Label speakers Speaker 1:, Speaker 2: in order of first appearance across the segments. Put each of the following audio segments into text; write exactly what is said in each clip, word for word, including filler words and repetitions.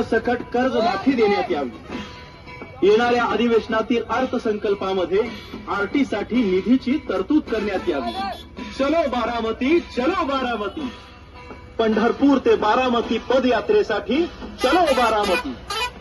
Speaker 1: सरसकट कर्जमाफी देण्यात यावी। येणाऱ्या अधिवेशनातील अर्थसंकल्पामध्ये आरटी साठी निधीची तरतूद करण्यात यावी। चलो बारामती, चलो बारामती। पंढरपूर ते बारामती पदयात्रेसाठी चलो बारामती।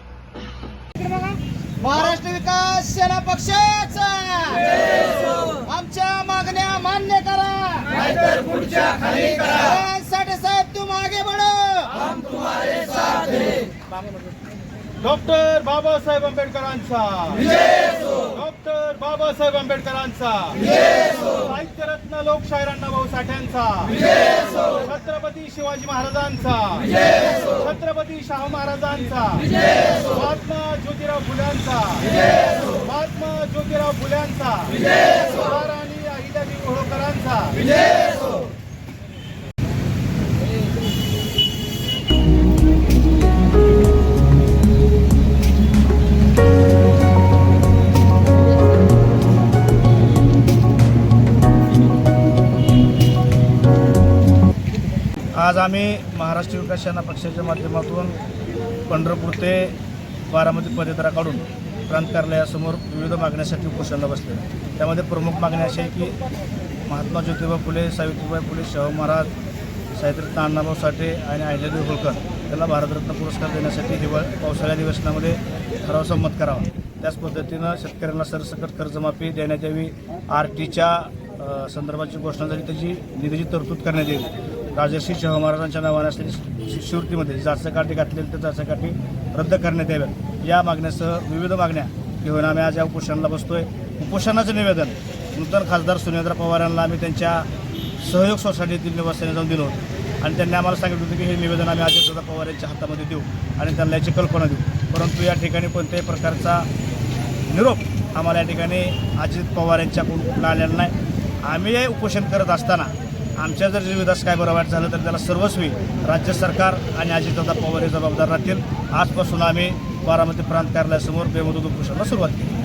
Speaker 2: महाराष्ट्र विकास सेना पक्षाचा आमच्या मागण्या मान्य करा,
Speaker 3: नाहीतर पुढच्या खाली करा।
Speaker 2: साठे साहेब तुम आगे बढ़ो,
Speaker 3: हम तुम्हारे साथ हैं।
Speaker 4: डॉक्टर बाबासाहेब आंबेडकरांचा
Speaker 3: विजय असो,
Speaker 4: डॉक्टर बाबासाहेब आंबेडकरांचा
Speaker 3: विजय असो,
Speaker 4: साहित्यरत्न लोकशाहीर अण्णाभाऊ साठ्यांचा
Speaker 3: विजय असो,
Speaker 4: छत्रपती शिवाजी महाराजांचा
Speaker 3: विजय असो,
Speaker 4: छत्रपती शाहू महाराजांचा
Speaker 3: विजय असो,
Speaker 4: महात्मा ज्योतिराव फुल्यांचा
Speaker 3: विजय असो,
Speaker 4: महात्मा ज्योतिराव फुल्यांचा
Speaker 3: विजय असो,
Speaker 4: महाराणी अहिल्यादेवी होळकरांचा
Speaker 3: विजय असो।
Speaker 4: आज आम्ही महाराष्ट्र विकास सेना पक्षाच्या माध्यमातून पंढरपूर ते बारामती पदयात्रा काढून प्रांत कार्यालयासमोर विविध मागण्यासाठी उपोषणाला बसले। त्यामध्ये प्रमुख मागण्या अशा आहे की महात्मा ज्योतिबा फुले, सावित्रीबाई फुले, शाहू महाराज, साहित्यरत्न अण्णाभाऊ साठे आणि अहिल्यादेवी होळकर यांना भारतरत्न पुरस्कार देण्यासाठी हिवाळ पावसाळ्या अधिवेशनामध्ये ठराव संमत करावा। त्याच पद्धतीनं शेतकऱ्यांना सरसकट कर्जमाफी देण्यात यावी। आर टीच्या संदर्भाची घोषणा झाली, त्याची निधीची तरतूद करण्यात यावी। राजर्षी शाहू महाराजांच्या नावाने असलेली शिष्यवृत्तीमध्ये जाचकाठी घातलेली त्या जाचकाठी रद्द करण्यात याव्यात। या मागण्यासह विविध मागण्या घेऊन आम्ही आज या उपोषणाला बसतोय। उपोषणाचं निवेदन नूतन खासदार सुनेंद्र पवार यांना आम्ही त्यांच्या सहयोग सोसायटीतील निवासाने जाऊन दिलं होतं आणि त्यांनी आम्हाला सांगितलं होतं की हे निवेदन आम्ही अजितदादा पवार यांच्या हातामध्ये देऊ आणि त्यांना याची कल्पना देऊ। परंतु या ठिकाणी कोणत्याही प्रकारचा निरोप आम्हाला या ठिकाणी अजित पवार यांच्याकडून आलेला नाही। आम्ही हे उपोषण करत असताना आमच्या जर विधास काय बरं वाईट झालं तर त्याला सर्वस्वी राज्य सरकार आणि अजितदादा पवार हे जबाबदार राहतील। आजपासून आम्ही बारामती प्रांत कार्यालयासमोर बेमुदत उपोषणाला सुरुवात केली।